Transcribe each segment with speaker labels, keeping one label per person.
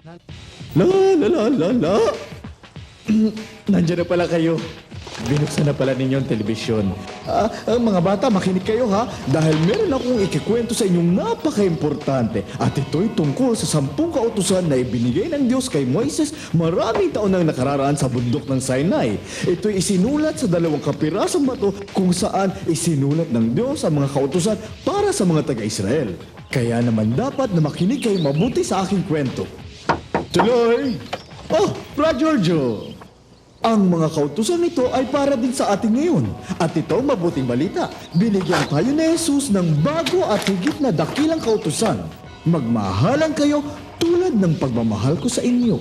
Speaker 1: La la la la la. Nandiyan na pala kayo. Binuksan na pala ninyo ang telebisyon. Mga bata, makinig kayo ha. Dahil meron akong ikikwento sa inyong napaka-importante. At ito'y tungkol sa 10 kautusan na ibinigay ng Diyos kay Moises maraming taon nang nakararaan sa bundok ng Sinai. Ito'y isinulat sa 2 kapirasong bato kung saan isinulat ng Diyos ang mga kautusan para sa mga taga-Israel. Kaya naman dapat na makinig kayo mabuti sa aking kwento. Tuloy! Oh, Brad Giorgio! Ang mga kautusan nito ay para din sa atin ngayon. At ito mabuting balita. Binigyan tayo ni Jesus ng bago at higit na dakilang kautusan. Magmahalan kayo tulad ng pagmamahal ko sa inyo.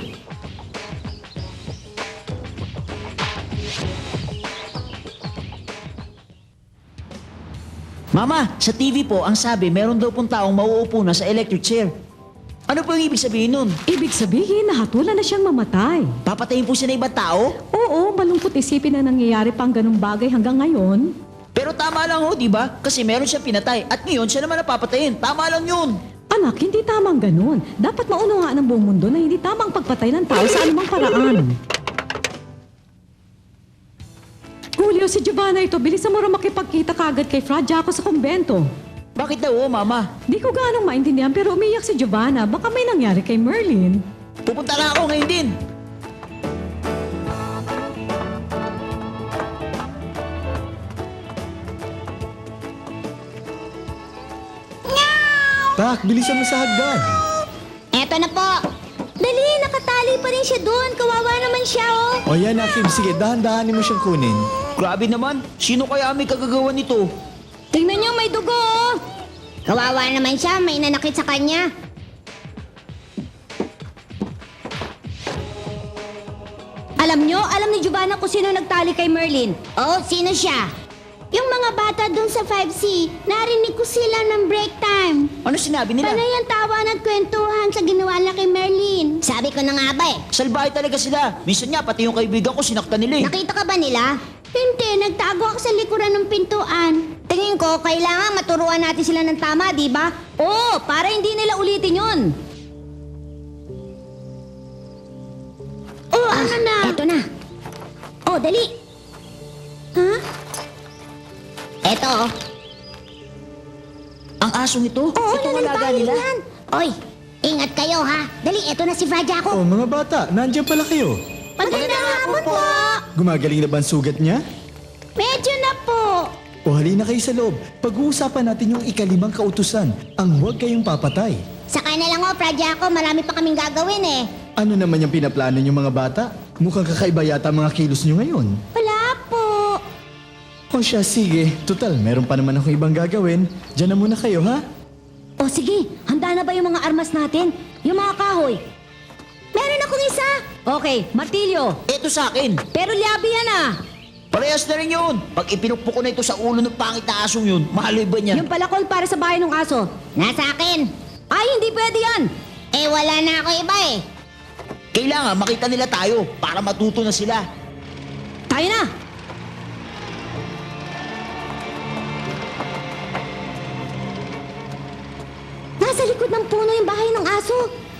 Speaker 2: Mama, sa TV po, ang sabi, meron daw pong taong mauupo na sa electric chair. Ano po yung ibig sabihin nun?
Speaker 3: Ibig sabihin, nahatulan na siyang mamatay.
Speaker 2: Papatayin po siya ng ibang tao?
Speaker 3: Oo, malungkot isipin na nangyayari pang ganung bagay hanggang ngayon.
Speaker 2: Pero tama lang ho, di ba? Kasi meron siyang pinatay at ngayon siya naman napapatayin. Tama lang yun.
Speaker 3: Anak, hindi tamang ganun. Dapat maunawaan ng buong mundo na hindi tamang pagpatay ng tao sa anumang paraan. Julio, si Giovanna ito, bilisan mo rin makipagkita kagad kay Fra Jaco sa kumbento.
Speaker 2: Bakit daw ho, Mama?
Speaker 3: Di ko ganong maintindihan pero umiyak si Giovanna. Baka may nangyari kay Merlin.
Speaker 2: Pupunta na ako ngayon din.
Speaker 1: Tak, bilisan mo sa hagdan.
Speaker 4: Eto na po. Dali, nakatali pa rin siya doon. Kawawa naman siya, oh.
Speaker 1: O yan, Akim. Sige, dahan-dahanin mo siyang kunin.
Speaker 2: Grabe naman. Sino kaya may kagagawa nito?
Speaker 4: Tingnan niyo, may dugo, oh. Kawawa naman siya, may nanakit sa kanya. Alam ni Giovanna kung sino nagtali kay Merlin. Oh, sino siya? Yung mga bata doon sa 5C, narinig ko sila ng break time.
Speaker 2: Ano sinabi nila?
Speaker 4: Panay ang tawa at kwentuhan sa ginawa na kay Merlin. Sabi ko na nga ba eh.
Speaker 2: Salbahe talaga sila. Minsan nga, pati yung kaibigan ko sinaktan nila eh.
Speaker 4: Nakita ka ba nila? Hindi, nagtago ako sa likuran ng pintuan. Tingin ko, kailangan maturuan natin sila ng tama, di ba? Oo, para hindi nila ulitin yun. Oh, ano na? Eto na. Oh, dali. Ha? Eto, oh.
Speaker 2: Ang asong ito?
Speaker 4: Oo,
Speaker 2: Ito ang alaga
Speaker 4: nananbayan
Speaker 2: nila?
Speaker 4: yan. Oy, ingat kayo ha. Dali, eto na si Fra Jaco.
Speaker 1: O mga bata, nandiyan pala kayo.
Speaker 4: Magandang hapon po.
Speaker 1: Gumagaling na ba ang sugat niya?
Speaker 4: Medyo na po.
Speaker 1: O halina kayo sa loob. Pag-uusapan natin yung ika-5 kautusan. Ang huwag kayong papatay.
Speaker 4: Sakay na lang oh, Fra Jaco. Marami pa kaming gagawin eh.
Speaker 1: Ano naman yung pinaplano niyo mga bata? Mukhang kakaiba yata ang mga kilos niyo ngayon.
Speaker 4: Wala po.
Speaker 1: O siya, sige. Total, meron pa naman akong ibang gagawin. Diyan na muna kayo, ha?
Speaker 4: O sige, handa na ba yung mga armas natin? Yung mga kahoy? Meron akong isa.
Speaker 3: Okay, martilyo.
Speaker 2: Ito sa akin.
Speaker 3: Pero liabi yan ah.
Speaker 2: Parehas na rin yun. Pag ipinukpok ko na ito sa ulo ng pangit na asong yun, mahaloy ba niya?
Speaker 3: Yung palakol para sa bahay ng aso.
Speaker 4: Nasa akin.
Speaker 3: Ay, hindi pwede yan.
Speaker 4: Eh wala na ako iba eh.
Speaker 2: Kailangan makita nila tayo para matuto na sila.
Speaker 3: Tayo na.
Speaker 4: Nasa likod ng puno yung bahay ng aso.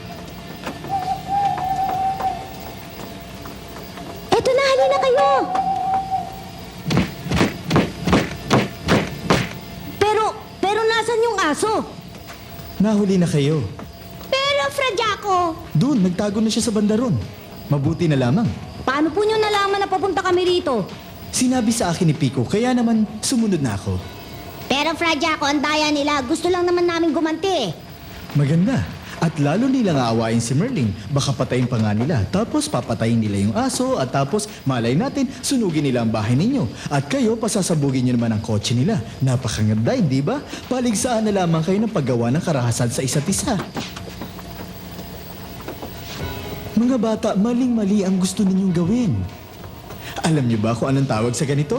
Speaker 4: Eto na, halina kayo.
Speaker 3: Pero nasan yung aso?
Speaker 1: Nahuli na kayo.
Speaker 4: Pero Fra Jaco,
Speaker 1: Doon, nagtago na siya sa bandaron. Mabuti na lamang.
Speaker 3: Paano po nyo nalaman na papunta kami rito?
Speaker 1: Sinabi sa akin ni Pico, kaya naman sumunod na ako.
Speaker 4: pero Fra Jaco, ang daya nila. Gusto lang naman namin gumanti eh.
Speaker 1: Maganda. At lalo nilang aawain si Merlin. Baka patayin pa nga nila. Tapos papatayin nila yung aso at tapos malay natin sunugin nila ang bahay ninyo. At kayo pasasabugin nyo naman ang kotse nila. Napakaganda, hindi ba? Paligsaan na lamang kayo ng paggawa ng karahasan sa isa't isa. Mga bata, maling-mali ang gusto ninyong gawin. Alam niyo ba kung anong tawag sa ganito?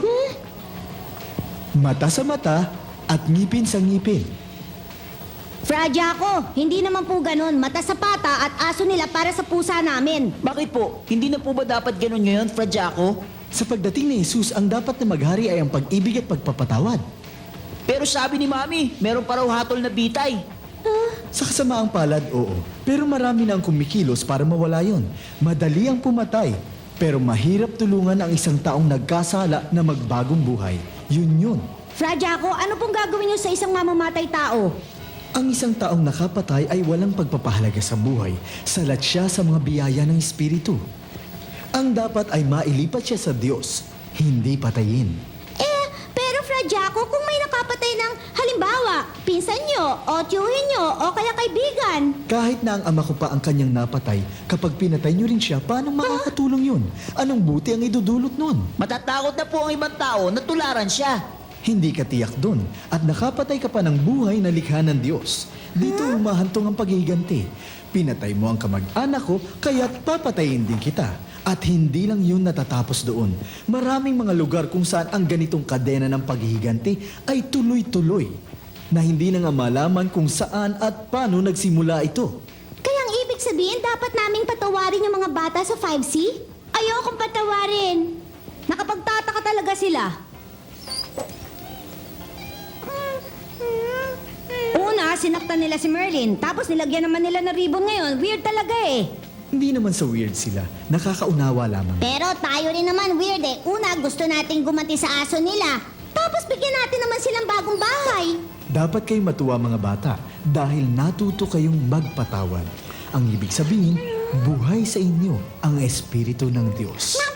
Speaker 1: Mata sa mata at ngipin sa ngipin.
Speaker 4: Fra Jaco, hindi naman po ganun. Mata sa pata at aso nila para sa pusa namin.
Speaker 2: Bakit po? Hindi na po ba dapat ganun ngayon, Fra Jaco?
Speaker 1: Sa pagdating ni Jesus, ang dapat na maghari ay ang pag-ibig at pagpapatawad.
Speaker 2: Pero sabi ni Mami, meron pa raw hatol na bitay.
Speaker 1: Sa kasamaang palad, oo. Pero marami na ang kumikilos para mawala yon. Madali ang pumatay. Pero mahirap tulungan ang isang taong nagkasala na magbagong buhay. Yun.
Speaker 4: Fra Jaco, ano pong gagawin niyo sa isang mamamatay tao?
Speaker 1: Ang isang taong nakapatay ay walang pagpapahalaga sa buhay. Salat siya sa mga biyaya ng Espiritu. Ang dapat ay mailipat siya sa Diyos, hindi patayin.
Speaker 4: Pero Fra Jaco, kung may nakapatay ng halimbawa, pinsan niyo, o tiyuhin niyo, o kaya kaibigan.
Speaker 1: Kahit na ang ama ko pa ang kanyang napatay, kapag pinatay niyo rin siya, paano makakatulong yun? Anong buti ang idudulot nun?
Speaker 2: Matatakot na po ang ibang tao na tularan siya.
Speaker 1: Hindi ka tiyak dun at nakapatay ka pa ng buhay na likha ng Diyos. Dito humahantong ang paghihiganti. Pinatay mo ang kamag-anak ko, kaya't papatayin din kita. At hindi lang yun natatapos doon. Maraming mga lugar kung saan ang ganitong kadena ng paghihiganti ay tuloy-tuloy. Na hindi na nga malaman kung saan at paano nagsimula ito.
Speaker 4: Kaya ang ibig sabihin, dapat naming patawarin yung mga bata sa 5C? Ayokong patawarin. Nakapagtataka talaga sila. Una, sinaktan nila si Merlin. Tapos nilagyan naman nila ng ribbon ngayon. Weird talaga eh.
Speaker 1: Hindi naman sa weird sila. Nakakaunawa lamang.
Speaker 4: Pero tayo rin naman weird eh. Una, gusto nating gumanti sa aso nila. Tapos bigyan natin naman silang bagong bahay.
Speaker 1: Dapat kayo matuwa mga bata dahil natuto kayong magpatawad. Ang ibig sabihin, buhay sa inyo ang Espiritu ng Diyos.